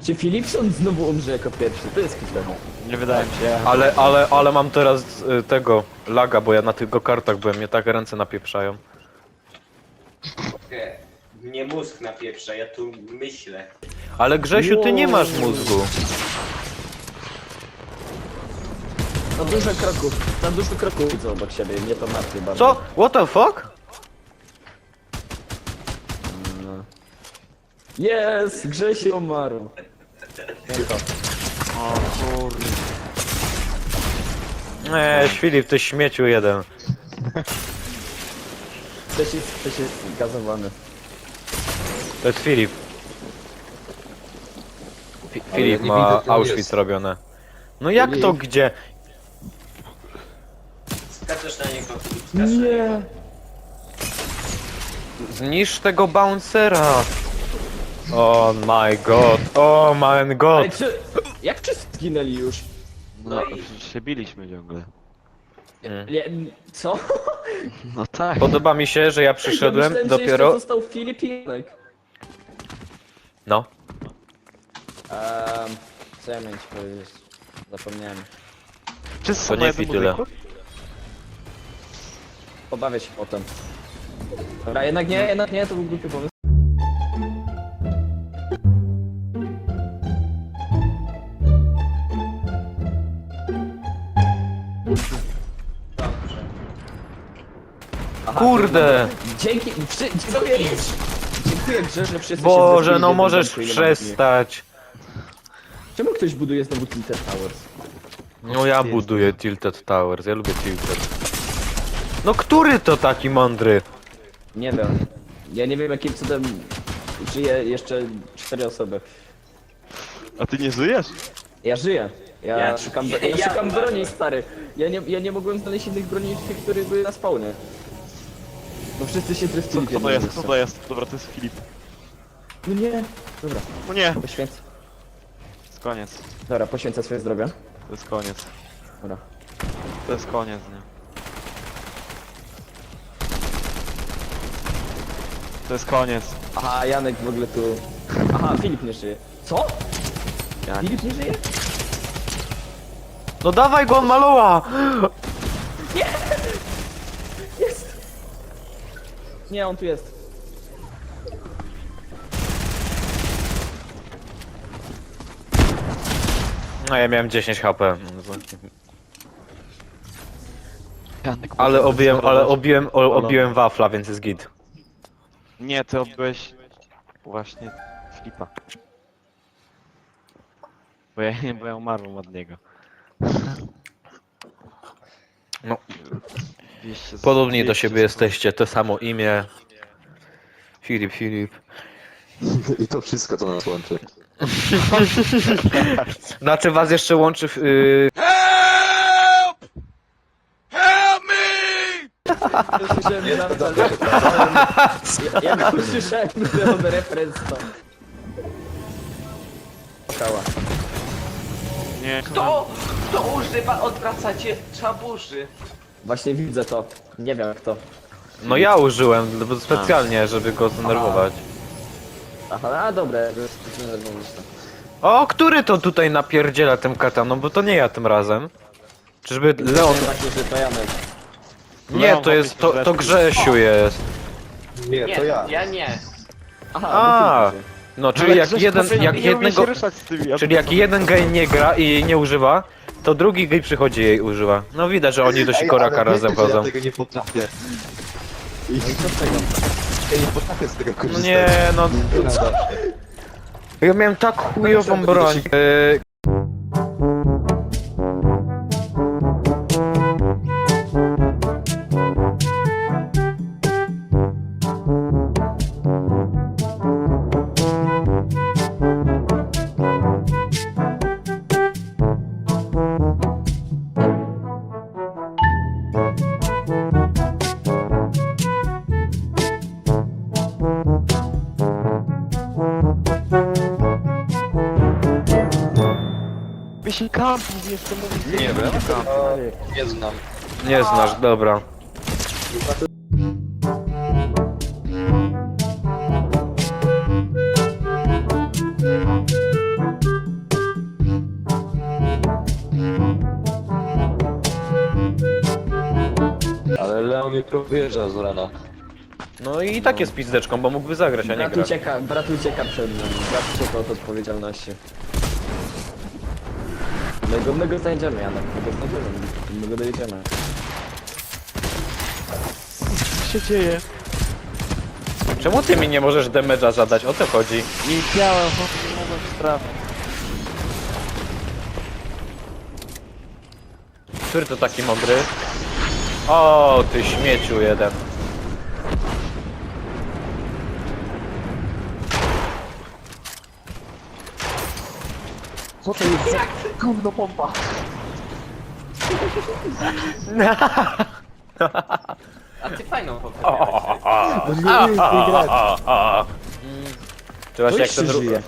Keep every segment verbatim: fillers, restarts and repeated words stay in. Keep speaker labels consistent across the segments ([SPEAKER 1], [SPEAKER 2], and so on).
[SPEAKER 1] Czy Philipson znowu umrze jako pierwszy? To jest chyba.
[SPEAKER 2] Nie wydaje mi się.
[SPEAKER 3] Ale, ale, ale mam teraz y, tego laga, bo ja na tych kartach byłem, mnie tak ręce napieprzają.
[SPEAKER 4] E, Mnie mózg napieprza, ja tu myślę.
[SPEAKER 3] Ale Grzesiu, ty nie masz mózgu.
[SPEAKER 1] No dużo kroków, tam dużo kroków widzą obok siebie, mnie to martwi bardzo.
[SPEAKER 3] Co? What the fuck?
[SPEAKER 1] Jest! Grzesiu umarł.
[SPEAKER 2] O kurde.
[SPEAKER 3] Eee, Filip, ty śmieciu jeden.
[SPEAKER 1] Ktoś jest, ktoś jest gazowany.
[SPEAKER 3] To jest Filip. Fi
[SPEAKER 5] Ale
[SPEAKER 3] Filip
[SPEAKER 5] ja nie
[SPEAKER 3] ma
[SPEAKER 5] widzę, gdzie on
[SPEAKER 3] Auschwitz
[SPEAKER 5] jest.
[SPEAKER 3] robione. No jak to
[SPEAKER 1] Filip.
[SPEAKER 3] gdzie?
[SPEAKER 4] Skaczesz na niego, skaczesz na niego.
[SPEAKER 1] Nie!
[SPEAKER 3] Zniszcz tego bouncera. Oh my god, oh my
[SPEAKER 1] Ej,
[SPEAKER 3] god.
[SPEAKER 1] czy... Jak wszyscy zginęli już?
[SPEAKER 2] No,
[SPEAKER 4] No i-
[SPEAKER 2] przecież się biliśmy ciągle.
[SPEAKER 3] Mm.
[SPEAKER 1] Nie, co?
[SPEAKER 2] No tak.
[SPEAKER 3] Podoba mi się, że ja przyszedłem
[SPEAKER 1] ja myślałem, że jeszcze
[SPEAKER 3] dopiero...
[SPEAKER 1] został Filipinek.
[SPEAKER 3] No.
[SPEAKER 1] Um, co ja miałem ci powiedzieć? Zapomniałem.
[SPEAKER 2] Wszyscy
[SPEAKER 3] To
[SPEAKER 2] są
[SPEAKER 3] nie
[SPEAKER 2] na jednym
[SPEAKER 3] tyle.
[SPEAKER 2] budynku?
[SPEAKER 1] Pobawię się potem. Dobra, jednak nie, jednak nie, to był głupi pomysł.
[SPEAKER 4] Dobrze.
[SPEAKER 1] Aha,
[SPEAKER 3] Kurde!
[SPEAKER 1] Dzięki, przy, dziękuję, dziękuję Grze, że wszyscy się
[SPEAKER 3] Boże,
[SPEAKER 1] zresztą
[SPEAKER 3] no
[SPEAKER 1] nie
[SPEAKER 3] możesz
[SPEAKER 1] wiedzą, ile mam dni.
[SPEAKER 3] przestać.
[SPEAKER 1] Czemu ktoś buduje znowu Tilted Towers?
[SPEAKER 3] No ja buduję Tilted Towers, ja lubię Tilted. No który to taki mądry?
[SPEAKER 1] Nie wiem. Ja nie wiem jakim cudem żyje jeszcze cztery osoby.
[SPEAKER 2] A ty nie żyjesz?
[SPEAKER 1] Ja żyję. Ja,
[SPEAKER 4] Ja-
[SPEAKER 1] szukam,
[SPEAKER 4] ja-
[SPEAKER 1] ja,
[SPEAKER 4] ja
[SPEAKER 1] szukam
[SPEAKER 4] umarłem.
[SPEAKER 1] broni, stary. Ja nie, ja nie mogłem znaleźć innych broni niż tych, które były na spawnie. No wszyscy się
[SPEAKER 2] Co,
[SPEAKER 1] trefili w
[SPEAKER 2] kto to
[SPEAKER 1] jednym
[SPEAKER 2] jest?
[SPEAKER 1] miejscu.
[SPEAKER 2] Kto to jest? Dobra, to jest Filip.
[SPEAKER 1] No nie. Dobra,
[SPEAKER 2] No nie.
[SPEAKER 1] poświęcę.
[SPEAKER 2] To jest koniec.
[SPEAKER 1] Dobra, poświęcę swoje zdrowie.
[SPEAKER 2] To jest koniec.
[SPEAKER 1] Dobra.
[SPEAKER 2] To jest koniec, nie? To jest koniec.
[SPEAKER 1] Aha, Janek w ogóle tu... Aha, Filip nie żyje. Co?
[SPEAKER 2] Jak?
[SPEAKER 1] Filip nie żyje?
[SPEAKER 3] No dawaj go, on maluła!
[SPEAKER 1] Jest! Nie, on tu jest.
[SPEAKER 3] No ja miałem dziesięć H P.
[SPEAKER 2] Janek,
[SPEAKER 3] Ale
[SPEAKER 2] możemy
[SPEAKER 3] obiłem, ale
[SPEAKER 2] sterować.
[SPEAKER 3] obiłem, o, obiłem wafla, więc jest git.
[SPEAKER 2] Nie, ty obyłeś właśnie Filipa. Bo ja, bo ja umarłem od niego.
[SPEAKER 3] No.
[SPEAKER 2] dwieście
[SPEAKER 3] Podobni do
[SPEAKER 2] dwieście
[SPEAKER 3] siebie jesteście, to samo imię. Filip, Filip.
[SPEAKER 5] I to wszystko, co nas łączy.
[SPEAKER 3] Znaczy was jeszcze łączy... Yy...
[SPEAKER 1] Słyszałem bardzo, ja, ja usłyszałem ten referenc to. Kała.
[SPEAKER 2] Nie,
[SPEAKER 4] Kto? Kto używa odwracacie czabuży?
[SPEAKER 1] Właśnie widzę to. Nie wiem kto.
[SPEAKER 3] No ja użyłem bo specjalnie, żeby go zdenerwować.
[SPEAKER 1] Aha, a dobra, to jest to zdenerwować to.
[SPEAKER 3] O, który to tutaj napierdziela tym kataną, bo to nie ja tym razem. Czyżby Leon...
[SPEAKER 1] Nie takie, że to Janek.
[SPEAKER 3] Nie, to jest, to, to Grzesiu jest.
[SPEAKER 5] Nie,
[SPEAKER 4] Nie,
[SPEAKER 5] to ja.
[SPEAKER 4] ja nie.
[SPEAKER 1] Aha,
[SPEAKER 3] A,
[SPEAKER 1] bo Filip żyje.
[SPEAKER 3] no czyli jak jeden, jak jednego... Czyli jak jeden gej nie gra i jej nie używa, to drugi gej przychodzi i jej używa. No widać, że oni do sikoraka
[SPEAKER 5] ale
[SPEAKER 3] razem
[SPEAKER 5] wiecie, że
[SPEAKER 3] chodzą.
[SPEAKER 5] Ja tego nie potrafię. I
[SPEAKER 1] No i co z tego?
[SPEAKER 5] ja nie potrafię z tego
[SPEAKER 3] No
[SPEAKER 5] korzystać.
[SPEAKER 3] nie, no...
[SPEAKER 5] Nie nada.
[SPEAKER 3] Ja miałem tak chujową broń. Yy,
[SPEAKER 2] Jeśli kampus jeszcze mówi...
[SPEAKER 3] Nie wiem.
[SPEAKER 5] Nie znam.
[SPEAKER 3] nie znasz, dobra.
[SPEAKER 5] jutro wyjeżdża z rana.
[SPEAKER 3] No i tak jest pizdeczką, bo mógłby zagrać, a nie
[SPEAKER 1] Brat
[SPEAKER 3] grać.
[SPEAKER 1] ucieka, brat ucieka przed nami, brat ucieka od odpowiedzialności. My go, my go znajdziemy, Janek, my go znajdziemy, my go dojedziemy.
[SPEAKER 2] Co się dzieje?
[SPEAKER 3] Czemu ty mi nie możesz damage'a zadać? O to chodzi.
[SPEAKER 2] Nie chciałem, chłopie, nie mogłem trafić.
[SPEAKER 3] Który to taki mądry? O, ty śmieciu jeden.
[SPEAKER 5] Co to jest? Gówno pompa.
[SPEAKER 4] A ty fajną poprawę.
[SPEAKER 1] Bo nie umiem w tej grać.
[SPEAKER 3] Czy właśnie jak
[SPEAKER 1] jeszcze
[SPEAKER 3] ten
[SPEAKER 1] żyje.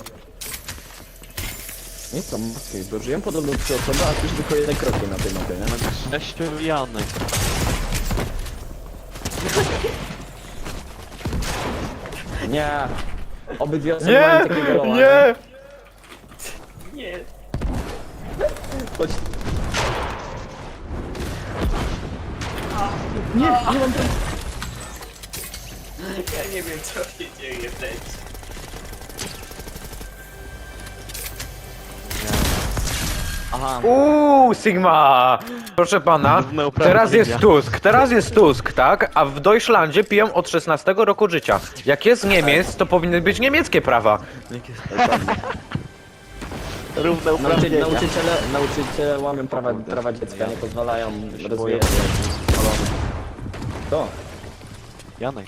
[SPEAKER 1] Nie są mocniej, bo żyją podobno trzy osoby, a już tylko jedne kroki na tej mapie, nie?
[SPEAKER 2] Sześciu Janek.
[SPEAKER 1] Nie! Obydwie osoby
[SPEAKER 3] Nie,
[SPEAKER 1] mają takiego loa.
[SPEAKER 3] nie!
[SPEAKER 4] Nie.
[SPEAKER 1] Chodź. Nie, nie mam tam...
[SPEAKER 4] Ja nie wiem co się dzieje w tej.
[SPEAKER 1] Aha.
[SPEAKER 3] Uuu, Sigma! Proszę pana,
[SPEAKER 2] Równe
[SPEAKER 3] teraz jest
[SPEAKER 2] uprawnienia.
[SPEAKER 3] Tusk, teraz jest Tusk, tak? A w Deutschlandzie piją od szesnastego roku życia. Jak jest Niemiec, to powinny być niemieckie prawa.
[SPEAKER 2] Równe
[SPEAKER 1] Nauczy,
[SPEAKER 2] uprawnienia.
[SPEAKER 1] nauczyciele, nauczyciele łamią prawa, prawa dziecka, nie pozwalają rozwijać. To.
[SPEAKER 2] Janek.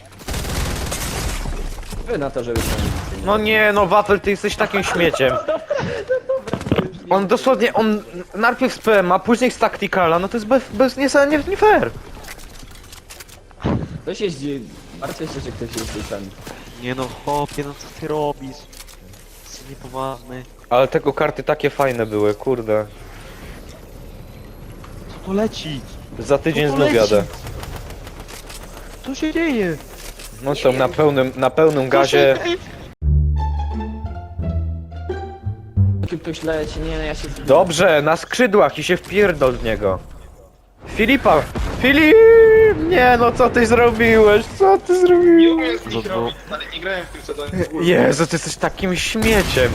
[SPEAKER 1] Wy na to, żeby się...
[SPEAKER 3] No nie, no Wafel, ty jesteś takim śmieciem. On dosłownie, on najpierw z P M a, później z Tacticala, no to jest bez, bez nie, nie, nie fair.
[SPEAKER 1] Ktoś jeździ... Martwię się, że ktoś jeździ ten.
[SPEAKER 2] Nie no, chłopie, no co ty robisz? Jesteś niepoważny.
[SPEAKER 3] Ale tego karty takie fajne były, kurde.
[SPEAKER 2] Co to leci?
[SPEAKER 3] Za tydzień
[SPEAKER 2] No to
[SPEAKER 3] znów
[SPEAKER 2] leci.
[SPEAKER 3] jadę.
[SPEAKER 2] Co się dzieje?
[SPEAKER 3] No są na pełnym, na pełnym gazie.
[SPEAKER 1] Tu ktoś leci, nie, ja się...
[SPEAKER 3] Dobrze, na skrzydłach i się wpierdol w niego. Filipa! Filip! Nie no, co ty zrobiłeś? Co ty zrobiłeś?
[SPEAKER 2] No to...
[SPEAKER 5] Ale nie grałem w tym sezonie.
[SPEAKER 3] Jezu, ty jesteś takim śmieciem.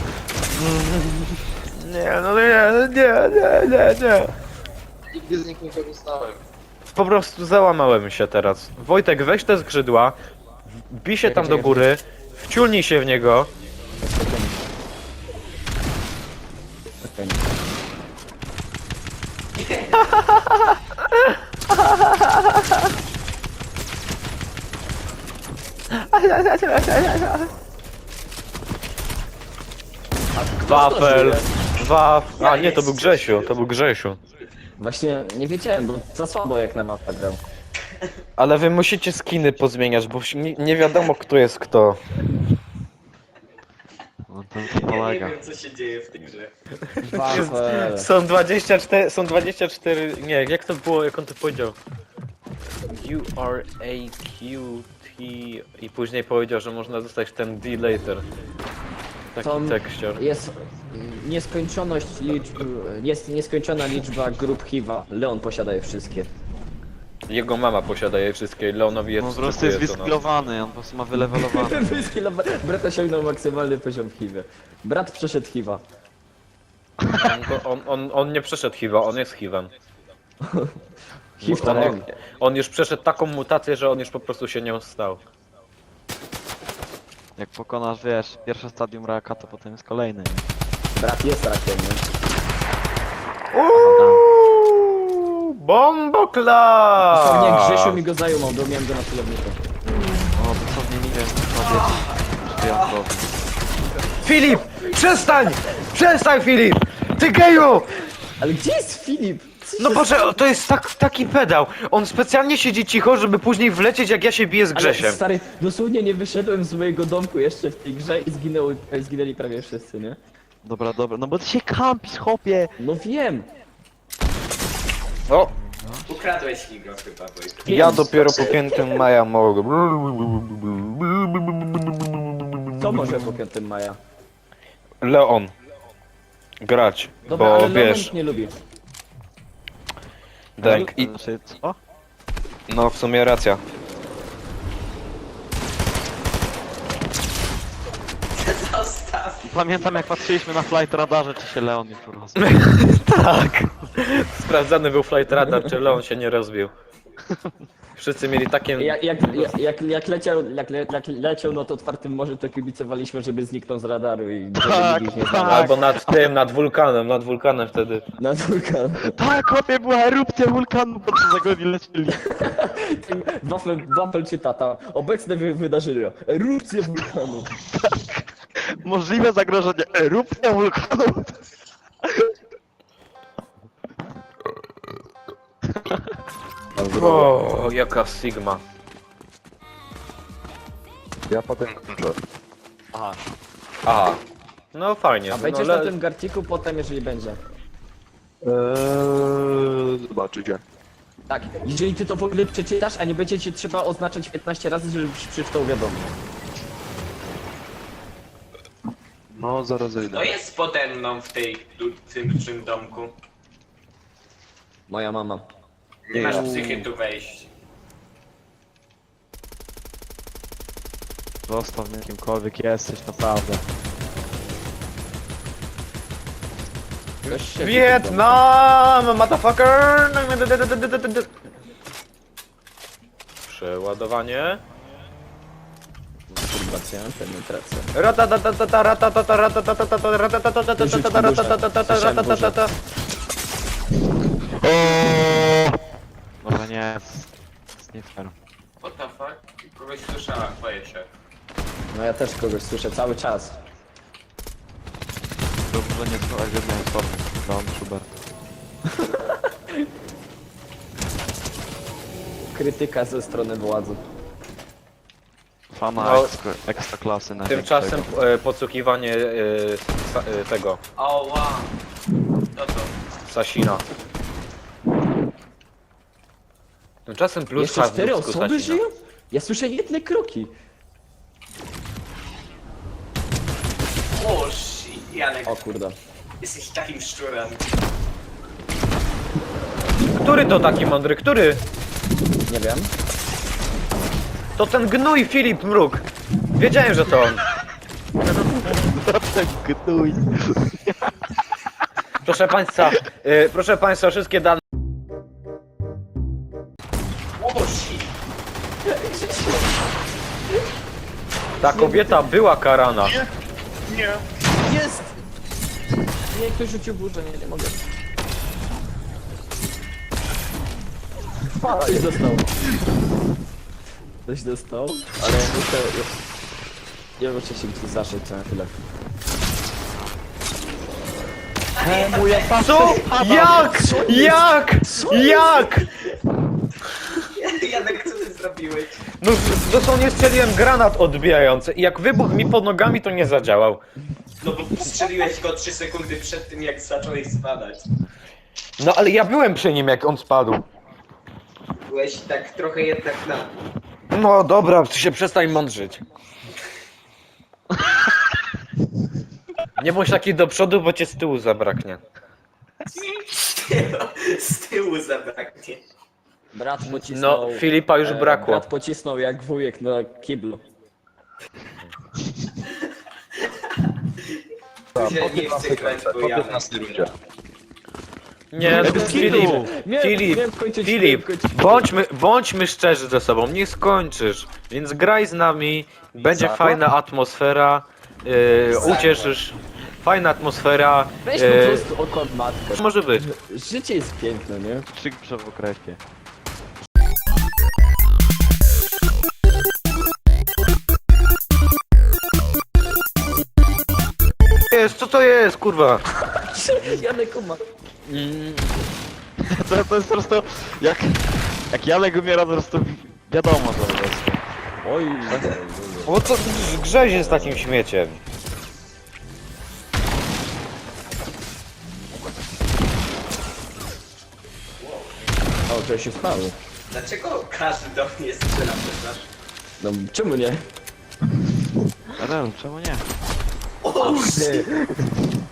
[SPEAKER 3] Nie, no nie, nie, nie, nie, nie.
[SPEAKER 5] Nigdy z nich nie korzystałem.
[SPEAKER 3] Po prostu załamałem się teraz. Wojtek, weź te skrzydła, bij się tam do góry, wciulnij się w niego.
[SPEAKER 1] Okej.
[SPEAKER 3] Wafel, waf... A nie, to był Grzesiu, to był Grzesiu.
[SPEAKER 1] Właśnie nie wiedziałem, bo za słabo jak na mapę grał.
[SPEAKER 3] Ale wy musicie skiny pozmieniać, bo nie, nie wiadomo kto jest kto.
[SPEAKER 2] No to, to
[SPEAKER 4] Ja nie
[SPEAKER 2] polega.
[SPEAKER 4] wiem co się dzieje w tej grze.
[SPEAKER 1] Wafel.
[SPEAKER 3] Są dwadzieścia cztery, są dwadzieścia cztery, nie, jak to było, jak on to powiedział? U R A Q T i później powiedział, że można dostać ten D later. Taki
[SPEAKER 1] Tom-
[SPEAKER 3] tekścior.
[SPEAKER 1] Jest nieskończoność liczb... Jest nieskończona liczba grup H I V-a. Leon posiada je wszystkie.
[SPEAKER 3] Jego mama posiada je wszystkie, Leonowi jest
[SPEAKER 2] No po prostu jest
[SPEAKER 3] wstrzykuje to na-
[SPEAKER 2] wyskilowany, on po prostu ma wylewelowany.
[SPEAKER 1] Wyskilo- Brat osiągnął maksymalny poziom H I V-a. Brat przeszedł H I V-a.
[SPEAKER 3] On, go- on, on, on nie przeszedł H I V-a, on jest H I V-em.
[SPEAKER 1] H I V to
[SPEAKER 3] On,
[SPEAKER 1] on.
[SPEAKER 3] on już przeszedł taką mutację, że on już po prostu się nią stał.
[SPEAKER 2] Jak pokonasz, wiesz, pierwsze stadium raka, to potem jest kolejne. nie?
[SPEAKER 1] Brat jest rakiem, nie?
[SPEAKER 3] Uuuu, bombokla!
[SPEAKER 1] Dosłownie Grzesiu mi go zajumał, bo miałem go na celowniku.
[SPEAKER 2] O, dosłownie nie wiem, co powiedzieć. Wyjątkowo.
[SPEAKER 3] Filip! Przestań! Przestań, Filip! Ty geju!
[SPEAKER 1] Ale gdzie jest Filip? Co
[SPEAKER 3] No
[SPEAKER 1] się
[SPEAKER 3] Boże, to jest tak, taki pedał. On specjalnie siedzi cicho, żeby później wlecieć, jak ja się biję z
[SPEAKER 1] Ale
[SPEAKER 3] Grzesiem.
[SPEAKER 1] stary, dosłownie nie wyszedłem z mojego domku jeszcze w tej grze i zginęły, zginęli prawie wszyscy, nie?
[SPEAKER 2] Dobra, dobra, no bo ty się kampisz, chłopie!
[SPEAKER 1] No wiem!
[SPEAKER 3] O,
[SPEAKER 4] Ukradłeś mi go chyba, Wojtek.
[SPEAKER 3] ja dopiero po piętym maja mogę.
[SPEAKER 1] Co może po piątym maja?
[SPEAKER 3] Leon. Grać,
[SPEAKER 1] Dobra,
[SPEAKER 3] bo
[SPEAKER 1] ale
[SPEAKER 3] wiesz,
[SPEAKER 1] Leon nie lubi.
[SPEAKER 3] Denk i...
[SPEAKER 2] Znaczy, co?
[SPEAKER 3] No, w sumie racja.
[SPEAKER 4] Zostaw.
[SPEAKER 2] Pamiętam jak patrzyliśmy na flight radarze, czy się Leon już rozbił.
[SPEAKER 3] Tak. Sprawdzany był flight radar, czy Leon się nie rozbił. Wszyscy mieli takie...
[SPEAKER 1] Jak, jak, jak, jak, jak, leciał, jak, le, jak leciał nad otwartym morzem, to kibicowaliśmy, żeby zniknął z radaru i żeby
[SPEAKER 2] Tak,
[SPEAKER 1] nikt ich nie
[SPEAKER 2] tak.
[SPEAKER 1] znał.
[SPEAKER 3] Albo nad tym, nad wulkanem, nad wulkanem wtedy.
[SPEAKER 1] Na wulkan.
[SPEAKER 2] Tak, chłopie, była erupcja wulkanu, po co za go nie lecieli.
[SPEAKER 1] Wafel, wafel czy tata. Obecne wy, wydarzenia. Erupcja wulkanu.
[SPEAKER 2] Możliwe zagrożenie, erupcja wulkanu.
[SPEAKER 3] O, jaka sigma.
[SPEAKER 5] Ja potem kończę.
[SPEAKER 1] Aha.
[SPEAKER 3] Aha. No fajnie.
[SPEAKER 1] A
[SPEAKER 3] no,
[SPEAKER 1] będziesz
[SPEAKER 3] le-
[SPEAKER 1] na tym garciku potem, jeżeli będzie.
[SPEAKER 5] Eee, zobaczycie.
[SPEAKER 1] Tak, jeżeli ty to w ogóle przeczytasz, a nie będzie ci trzeba oznaczać piętnaście razy, żebyś przeczytał wiadomo.
[SPEAKER 5] No, zaraz zejdę.
[SPEAKER 4] To jest pode mną w tej, tu- tym dużym domku.
[SPEAKER 1] Moja mama.
[SPEAKER 4] Nie masz psychy tu wejść.
[SPEAKER 2] Zostaw mnie kimkolwiek jesteś, naprawdę.
[SPEAKER 1] Ktoś się
[SPEAKER 3] Wietnam, motherfucker! Przeładowanie.
[SPEAKER 1] Masturbacja, penetracja.
[SPEAKER 3] Ratatatata, ratatatata, ratatatata, ratatatata, ratatatata, ratatatata.
[SPEAKER 2] Dobra, nie, jest, jest nie fair.
[SPEAKER 4] What the fuck? Kogoś słyszała, boję się.
[SPEAKER 1] No ja też kogoś słyszę cały czas.
[SPEAKER 2] Dobrze, nie słuchaj jedną osobę. Leon Schubert.
[SPEAKER 1] Krytyka ze strony władzy.
[SPEAKER 2] Fana
[SPEAKER 3] No.
[SPEAKER 2] ekstra, ekstra klasy na
[SPEAKER 3] Tymczasem e, podsłuchiwanie e, sa, e, tego,
[SPEAKER 4] O, wow. No to.
[SPEAKER 3] Sasina. Tymczasem plus
[SPEAKER 1] Jeszcze
[SPEAKER 3] has w
[SPEAKER 1] cztery
[SPEAKER 3] ludzku
[SPEAKER 1] osoby
[SPEAKER 3] Sasina.
[SPEAKER 1] żyją? Ja słyszę jedne kroki.
[SPEAKER 4] O, shit, Janek,
[SPEAKER 1] O kurde.
[SPEAKER 4] jesteś takim szczurem.
[SPEAKER 3] Który to taki mądry? Który?
[SPEAKER 1] Nie wiem.
[SPEAKER 3] To ten gnój Filip Mruk. Wiedziałem, że to on.
[SPEAKER 2] Gnuj.
[SPEAKER 3] Proszę państwa, e, proszę państwa, wszystkie dane.
[SPEAKER 4] O, shit.
[SPEAKER 3] Ta kobieta była karana.
[SPEAKER 1] Jest! Nie, ktoś rzucił burzę, nie, nie mogę. Ktoś dostał. Ktoś dostał, ale ja muszę... Ja muszę się tu zaszyć na chwilę.
[SPEAKER 3] Co? Jak? Jak? Jak?
[SPEAKER 4] Janek, co ty zrobiłeś?
[SPEAKER 3] No dosłownie strzeliłem granat odbijający i jak wybuchł mi pod nogami, to nie zadziałał.
[SPEAKER 4] No bo strzeliłeś go trzy sekundy przed tym, jak zacząłeś spadać.
[SPEAKER 3] No ale ja byłem przy nim, jak on spadł.
[SPEAKER 4] Byłeś tak trochę jednak na...
[SPEAKER 3] No dobra, ty się przestań mądrzyć. Nie bądź taki do przodu, bo cię z tyłu zabraknie.
[SPEAKER 4] Z tyłu zabraknie.
[SPEAKER 1] Brat pocisnął...
[SPEAKER 3] No, Filipa już
[SPEAKER 1] e,
[SPEAKER 3] brakło.
[SPEAKER 1] Brat pocisnął jak wujek na kiblu.
[SPEAKER 4] Nie, nie chcę grać, bo
[SPEAKER 5] Po
[SPEAKER 4] ja...
[SPEAKER 5] piętnastej rundzie.
[SPEAKER 3] Nie, no,
[SPEAKER 1] Bez
[SPEAKER 3] Filip,
[SPEAKER 1] kitu. Miałem-
[SPEAKER 3] Filip,
[SPEAKER 1] miałem skończyć-
[SPEAKER 3] Filip,
[SPEAKER 1] miałem skończyć-
[SPEAKER 3] bądźmy, bądźmy szczerzy ze sobą, nie skończysz, więc graj z nami, będzie
[SPEAKER 5] Zakład?
[SPEAKER 3] fajna atmosfera, yy, ucieszysz, fajna atmosfera,
[SPEAKER 1] Weź po
[SPEAKER 3] yy,
[SPEAKER 1] prostu okład matkę.
[SPEAKER 3] może być.
[SPEAKER 1] Życie jest piękne, nie?
[SPEAKER 2] Krzyk w okresie.
[SPEAKER 3] Jest, co to jest, kurwa?
[SPEAKER 1] Janek uma.
[SPEAKER 2] To, to jest po prostu, jak, jak Janek umiera, to po prostu wiadomo, co to jest.
[SPEAKER 1] Oj,
[SPEAKER 3] O co grzezie z takim śmieciem?
[SPEAKER 1] o, to się stało.
[SPEAKER 4] Dlaczego każdy do mnie strzela, przepraszam?
[SPEAKER 1] No, czemu nie?
[SPEAKER 2] Rel, czemu nie?
[SPEAKER 4] O, shit.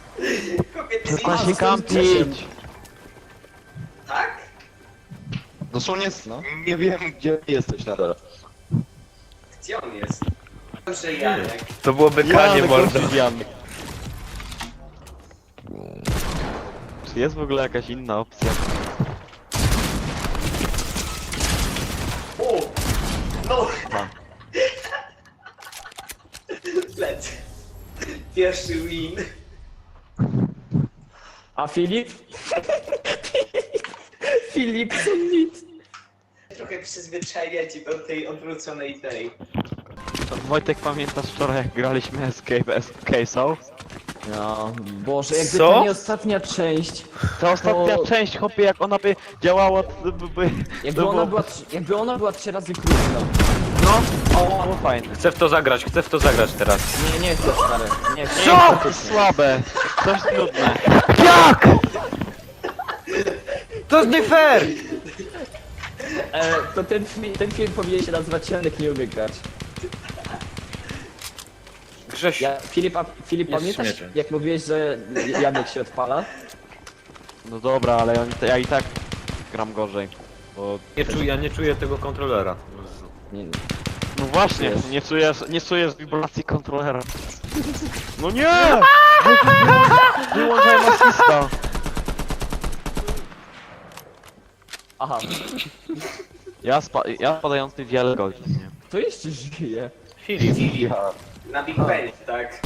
[SPEAKER 4] Kobiety
[SPEAKER 2] Przestań
[SPEAKER 4] nie
[SPEAKER 2] się
[SPEAKER 4] ma-
[SPEAKER 2] kampić!
[SPEAKER 4] Tak?
[SPEAKER 5] Dosłownie
[SPEAKER 1] No.
[SPEAKER 5] nie wiem, gdzie jesteś nadal.
[SPEAKER 4] Gdzie on jest? Dobrze, Janek.
[SPEAKER 3] To byłoby kanie, mordo.
[SPEAKER 2] Janek. Czy jest w ogóle jakaś inna opcja?
[SPEAKER 4] O! No!
[SPEAKER 2] A.
[SPEAKER 4] Lecę. Pierwszy win.
[SPEAKER 1] A Filip? Filip, co nic.
[SPEAKER 4] Trochę przyzwyczajacie do tej odwróconej tej.
[SPEAKER 2] Wojtek, pamiętasz wczoraj jak graliśmy Escape Escape'ą?
[SPEAKER 1] No, Boże, jakby
[SPEAKER 3] Co?
[SPEAKER 1] to nie ostatnia część.
[SPEAKER 2] Ta ostatnia
[SPEAKER 1] To-
[SPEAKER 2] część, hopie, jak ona by działała, to by... by
[SPEAKER 1] Jakby
[SPEAKER 2] to
[SPEAKER 1] ona
[SPEAKER 2] było-
[SPEAKER 1] była, tr- jakby ona była trzy razy krótsza.
[SPEAKER 2] No, o, było fajne.
[SPEAKER 3] Chcę w to zagrać, chcę w to zagrać teraz.
[SPEAKER 1] Nie, nie chcę, stary. Nie chcę.
[SPEAKER 2] Co? To słabe. To jest nudne.
[SPEAKER 3] Jak? To jest nie fair!
[SPEAKER 1] E, to ten, fi- ten film powinien się nazywać Janek nie umie grać.
[SPEAKER 3] Grześ,
[SPEAKER 1] Ja, Filip, a, Filip
[SPEAKER 3] Jest
[SPEAKER 1] pamiętasz
[SPEAKER 3] śmieciem.
[SPEAKER 1] jak mówiłeś, że Janek się odpala?
[SPEAKER 2] No dobra, ale oni, ja i tak gram gorzej. Bo...
[SPEAKER 3] nie czuję, ja nie czuję tego kontrolera.
[SPEAKER 1] Nie, nie.
[SPEAKER 2] No właśnie,
[SPEAKER 1] Wiesz.
[SPEAKER 2] nie czujesz, nie czujesz wibracji kontrolera. No nie! Wyłączaj masista.
[SPEAKER 1] Aha,
[SPEAKER 2] Ja, spa ja spadający wiele godzin, nie?
[SPEAKER 1] to jeszcze żyje.
[SPEAKER 3] Filip,
[SPEAKER 5] Ja.
[SPEAKER 4] Na Big Ben, tak?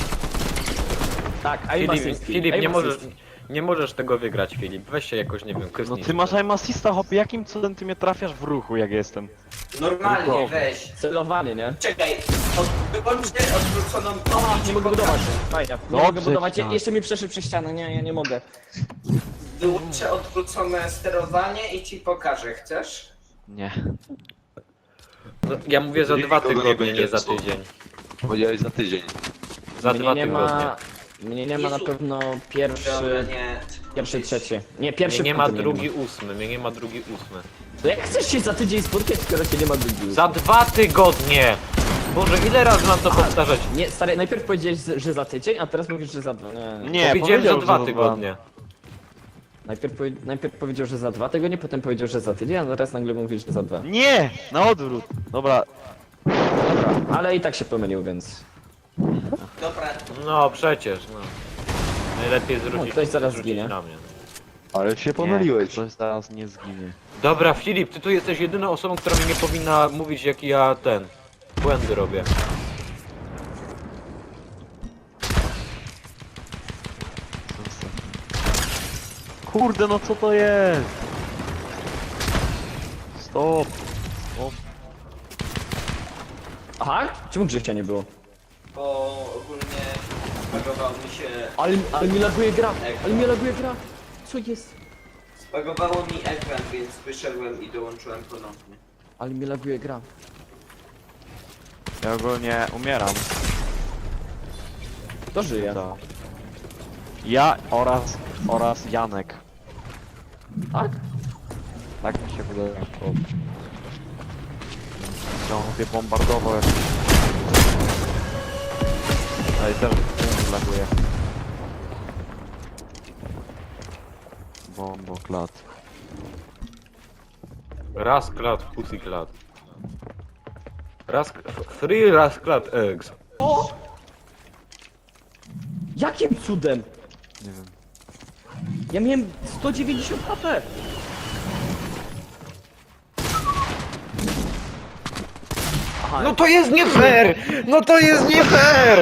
[SPEAKER 1] Tak, aim
[SPEAKER 3] Filip,
[SPEAKER 1] assist.
[SPEAKER 3] Filip,
[SPEAKER 1] aim
[SPEAKER 3] nie możesz,
[SPEAKER 1] assist.
[SPEAKER 3] nie możesz tego wygrać, Filip. Weź się jakoś, nie wiem,
[SPEAKER 2] No
[SPEAKER 3] kysnij.
[SPEAKER 2] ty masz aim assista, hopie, jakim cudem ty mnie trafiasz w ruchu, jak jestem?
[SPEAKER 4] Normalnie,
[SPEAKER 2] Ruchowo.
[SPEAKER 4] weź.
[SPEAKER 1] Celowanie, nie?
[SPEAKER 4] Czekaj, od, wyłączę odwróconą tą i ci
[SPEAKER 1] Nie mogę
[SPEAKER 4] pokażę.
[SPEAKER 1] budować. Fajnie. Nie
[SPEAKER 2] Dobrze,
[SPEAKER 1] mogę budować.
[SPEAKER 2] tak.
[SPEAKER 1] Jeszcze mi przeszedł przez ścianę. Nie, ja nie mogę.
[SPEAKER 4] Wyłączę odwrócone sterowanie i ci pokażę, chcesz?
[SPEAKER 2] Nie.
[SPEAKER 3] No, ja mówię za
[SPEAKER 5] Nikogo
[SPEAKER 3] dwa
[SPEAKER 5] nie
[SPEAKER 3] tygodnie,
[SPEAKER 5] będzie
[SPEAKER 3] nie za
[SPEAKER 5] psuł.
[SPEAKER 3] tydzień.
[SPEAKER 5] Powiedziałeś za tydzień.
[SPEAKER 3] Za
[SPEAKER 1] Mnie
[SPEAKER 3] dwa
[SPEAKER 1] nie
[SPEAKER 3] tygodnie.
[SPEAKER 1] ma. Mnie nie ma na pewno
[SPEAKER 4] Dobra,
[SPEAKER 1] pierwszy.
[SPEAKER 4] nie.
[SPEAKER 1] Pierwszy, trzeci. Nie, pierwszy
[SPEAKER 3] Mnie nie ma
[SPEAKER 1] potem
[SPEAKER 3] drugi ósmy, mnie nie ma drugi ósmy.
[SPEAKER 1] To jak chcesz się za tydzień spotkać, skoro cię nie ma drugi?
[SPEAKER 3] Za dwa tygodnie! Boże, ile razy mam to powtarzać?
[SPEAKER 1] Nie, stary, najpierw powiedziałeś, że za tydzień, a teraz mówisz, że za dwa. Nie, nie.
[SPEAKER 2] Nie,
[SPEAKER 3] Powiedziałem, że
[SPEAKER 2] powiedział,
[SPEAKER 3] dwa
[SPEAKER 2] za
[SPEAKER 3] tygodnie.
[SPEAKER 1] Najpierw, powie... najpierw powiedział, że za dwa tygodnie, potem powiedział, że za tydzień, a teraz nagle mówisz, że za dwa.
[SPEAKER 2] Nie! Na odwrót. Dobra.
[SPEAKER 1] Dobra, ale i tak się pomylił, więc.
[SPEAKER 4] Dobra,
[SPEAKER 3] No przecież, no. Najlepiej zwrócić,
[SPEAKER 1] No, ktoś zaraz
[SPEAKER 3] zwrócić
[SPEAKER 1] zginie.
[SPEAKER 3] na mnie.
[SPEAKER 5] Ale się
[SPEAKER 2] Nie,
[SPEAKER 5] pomyliłeś.
[SPEAKER 2] ktoś zaraz nie zginie.
[SPEAKER 3] Dobra, Filip, ty tu jesteś jedyną osobą, która mi nie powinna mówić, jak ja ten... błędy robię.
[SPEAKER 2] Kurde, no co to jest? Stop. Stop.
[SPEAKER 1] Aha? Czemu Grzesia nie było?
[SPEAKER 4] bo ogólnie spagował mi się...
[SPEAKER 1] Ale, ale mi laguje gra! Ale mi laguje gra! Co jest?
[SPEAKER 4] Spagowało mi ekran, więc wyszedłem i dołączyłem ponownie.
[SPEAKER 1] Ale mi laguje gra.
[SPEAKER 2] Ja ogólnie umieram.
[SPEAKER 1] Kto żyje?
[SPEAKER 2] To. Ja oraz, oraz Janek.
[SPEAKER 1] Tak?
[SPEAKER 2] Tak mi się wydaje. O. Chciałem mnie bombardował jakoś. Ale też nie laguje. Bombo, klat.
[SPEAKER 3] Raz klat, pussy klat. Raz... f- Free raz klat eggs.
[SPEAKER 1] Jakim cudem?
[SPEAKER 2] Nie wiem.
[SPEAKER 1] Ja miałem sto dziewięćdziesiąt H P! Aha,
[SPEAKER 3] No to jest nie fair! No to jest nie fair!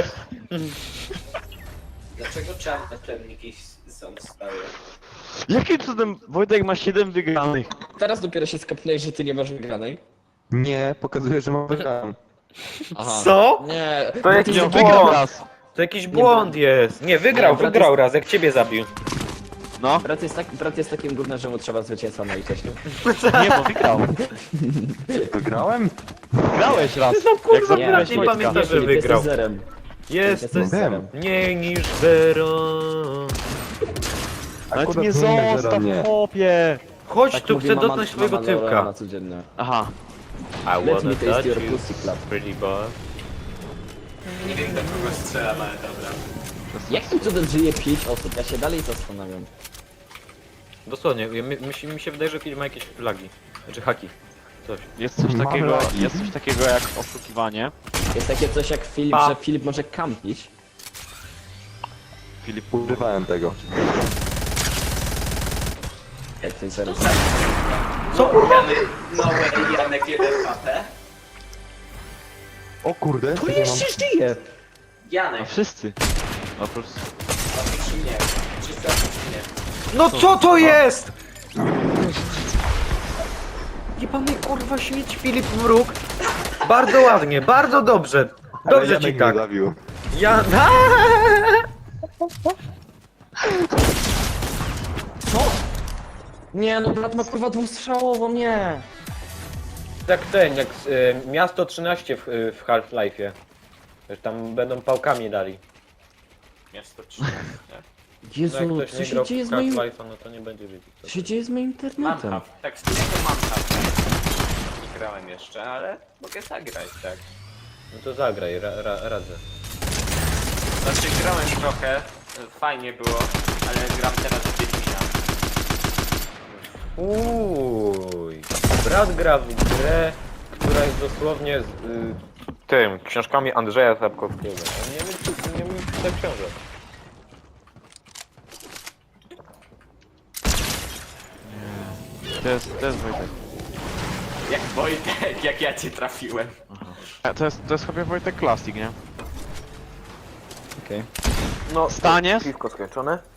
[SPEAKER 4] Dlaczego czarne plemniki są stałe?
[SPEAKER 2] Jakim cudem Wojtek ma siedem wygranych?
[SPEAKER 1] teraz dopiero się skapnęłeś, że ty nie masz wygranej.
[SPEAKER 5] Nie, pokazuje, że mam wygraną.
[SPEAKER 1] Aha.
[SPEAKER 3] Co?
[SPEAKER 1] Nie,
[SPEAKER 3] To
[SPEAKER 1] bo
[SPEAKER 3] jakiś
[SPEAKER 1] ty
[SPEAKER 2] Nie,
[SPEAKER 1] za-
[SPEAKER 2] wygrał
[SPEAKER 3] błąd.
[SPEAKER 2] raz.
[SPEAKER 3] To jakiś błąd jest. Nie, wygrał,
[SPEAKER 1] Nie, brat
[SPEAKER 3] wygrał
[SPEAKER 1] jest-
[SPEAKER 3] raz, jak ciebie zabił.
[SPEAKER 2] No,
[SPEAKER 1] Brat jest, tak, brat jest takim gównem, że mu trzeba zwycięstwa na litości.
[SPEAKER 2] nie, bo wygrał.
[SPEAKER 5] Wygrałem?
[SPEAKER 2] Wygrałeś raz.
[SPEAKER 3] No kurwa,
[SPEAKER 2] jak zabiłeś
[SPEAKER 3] brat, nie
[SPEAKER 2] Wojtka.
[SPEAKER 3] pamiętasz, że
[SPEAKER 1] Filip, jesteś
[SPEAKER 3] wygrał.
[SPEAKER 1] zerem.
[SPEAKER 3] Jest
[SPEAKER 1] Jesteś zerem.
[SPEAKER 3] mniej niż zero.
[SPEAKER 2] Ale ty
[SPEAKER 5] Akurat
[SPEAKER 2] mnie
[SPEAKER 5] nie, że
[SPEAKER 2] zostaw,
[SPEAKER 5] nie.
[SPEAKER 2] chłopie.
[SPEAKER 3] Chodź
[SPEAKER 1] Tak
[SPEAKER 3] tu,
[SPEAKER 1] mówi
[SPEAKER 3] chcę
[SPEAKER 1] mama-
[SPEAKER 3] dotknąć twojego
[SPEAKER 1] mama Laura
[SPEAKER 3] tyłka.
[SPEAKER 1] na codzienne.
[SPEAKER 2] Aha.
[SPEAKER 3] I
[SPEAKER 1] Let
[SPEAKER 3] wanna
[SPEAKER 1] me taste
[SPEAKER 3] touch
[SPEAKER 1] your
[SPEAKER 3] you,
[SPEAKER 1] pussy club.
[SPEAKER 3] pretty boy.
[SPEAKER 4] Nie wiem, do kogo strzelam, ale dobra.
[SPEAKER 1] Jakim cudem żyje pięć osób? Ja się dalej zastanawiam.
[SPEAKER 3] Dosłownie, mi, mi, się- mi się wydaje, że film ma jakieś flagi. Znaczy haki. Coś.
[SPEAKER 2] Jest coś
[SPEAKER 5] Mam
[SPEAKER 2] takiego,
[SPEAKER 5] lagi.
[SPEAKER 2] jest coś takiego jak oszukiwanie.
[SPEAKER 1] Jest takie coś jak Filip,
[SPEAKER 3] Pa.
[SPEAKER 1] że Filip może kampić.
[SPEAKER 2] Filip,
[SPEAKER 5] Używałem tego.
[SPEAKER 1] Jak to jest zaraz.
[SPEAKER 4] Co kurwa? Janek, no way, Janek jeden H P.
[SPEAKER 5] O kurde,
[SPEAKER 1] To
[SPEAKER 5] nie mam...
[SPEAKER 1] jeszcze żyje!
[SPEAKER 2] a
[SPEAKER 4] Janek,
[SPEAKER 2] wszyscy. Oprócz...
[SPEAKER 4] oprócz mnie. Wszyscy oprócz mnie.
[SPEAKER 3] No co to jest?! Jebany kurwa śmieć Filip Mruk. Bardzo ładnie, bardzo dobrze.
[SPEAKER 5] Ale
[SPEAKER 3] Dobrze
[SPEAKER 5] Janek
[SPEAKER 3] ci
[SPEAKER 5] mnie
[SPEAKER 3] tak.
[SPEAKER 5] zabił.
[SPEAKER 3] Ja...
[SPEAKER 1] Co? Nie no, brat ma kurwa dwustrzałową, nie!
[SPEAKER 3] Jak ten, jak y, Miasto trzynaście w, y, w Half-Life'ie. Że tam będą pałkami dali.
[SPEAKER 4] Miasto trzynaście.
[SPEAKER 1] Jezu,
[SPEAKER 3] No jak
[SPEAKER 1] no,
[SPEAKER 3] ktoś
[SPEAKER 1] co
[SPEAKER 3] nie
[SPEAKER 1] się
[SPEAKER 3] grał w
[SPEAKER 1] dzieje z moim...
[SPEAKER 3] Half-Life'a, no to nie będzie wiedzieć.
[SPEAKER 1] Co się dzieje z moim
[SPEAKER 4] Mam
[SPEAKER 1] internetem?
[SPEAKER 4] hub. Tak, z tego mam hub. Nie grałem jeszcze, ale mogę zagrać, tak.
[SPEAKER 3] No to zagraj, ra, ra, radzę.
[SPEAKER 4] Znaczy grałem trochę, fajnie było, ale gram teraz w Wiedźmina.
[SPEAKER 3] Uuuuj. Brat gra w grę, która jest dosłownie z y, tym, książkami Andrzeja Sapkowskiego. Ja nie wiem, czy nie wiem, czy to książek.
[SPEAKER 2] To jest, to jest Wojtek.
[SPEAKER 4] Jak Wojtek, jak ja cię trafiłem.
[SPEAKER 2] E, To jest, to jest chyba Wojtek Classic, nie?
[SPEAKER 1] Okej.
[SPEAKER 3] No,
[SPEAKER 2] Staniesz?
[SPEAKER 3] piwko skończone.